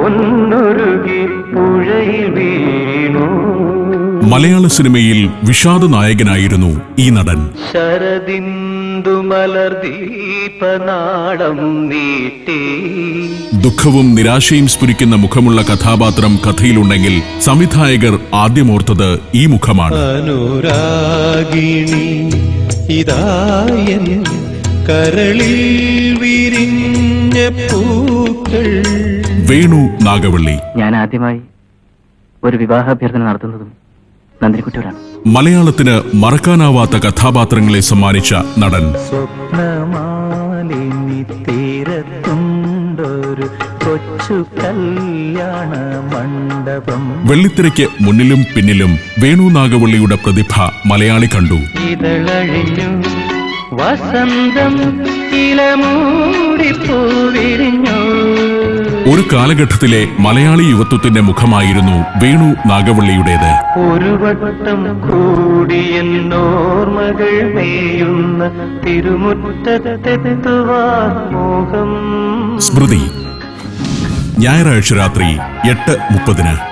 പൊന്നുരുകി പുഴയിൽ വീണു. മലയാള സിനിമയിൽ വിഷാദ നായകനായിരുന്നു ഈ നടൻ. ശരദിന്ദു മലർദീപനാളം നീട്ടി. ദുഃഖവും നിരാശയും സ്ഫുരിക്കുന്ന മുഖമുള്ള കഥാപാത്രം കഥയിലുണ്ടെങ്കിൽ സംവിധായകർ ആദ്യമോർത്തത് ഈ മുഖമാണ്. അനുരാഗിണി ഇതായൻ കരളിൽ വിരിഞ്ഞ പൂക്കൾ. വേണു നാഗവള്ളി. ഞാൻ ആദ്യമായി ഒരു വിവാഹാഭ്യർത്ഥന നടത്തുന്നതും നന്ദിനിക്കുട്ടിയോടാണ്. മലയാളത്തിന് മറക്കാനാവാത്ത കഥാപാത്രങ്ങളെ സമ്മാനിച്ച നടൻ. സ്വപ്നമാലിനി തീരത്തുണ്ടൊരു കൊച്ചു കല്യാണ മണ്ഡപം. വെള്ളിത്തിരയ്ക്ക് മുന്നിലും പിന്നിലും വേണു നാഗവള്ളിയുടെ പ്രതിഭ മലയാളി കണ്ടു. ഇതളഴിഞ്ഞു വസന്തം ഇലമൂടിപ്പൂവിരിഞ്ഞു. ഒരു കാലഘട്ടത്തിലെ മലയാളി യുവത്വത്തിന്റെ മുഖമായിരുന്നു വേണു നാഗവള്ളിയുടേത്. ഒരു വട്ടം കൂടിയെന്നോർമകൾ മേയുന്ന തിരുമുറ്റത്തെത്തുവാൻ മോഹം. സ്മൃതി. ഞായറാഴ്ച രാത്രി 8:30.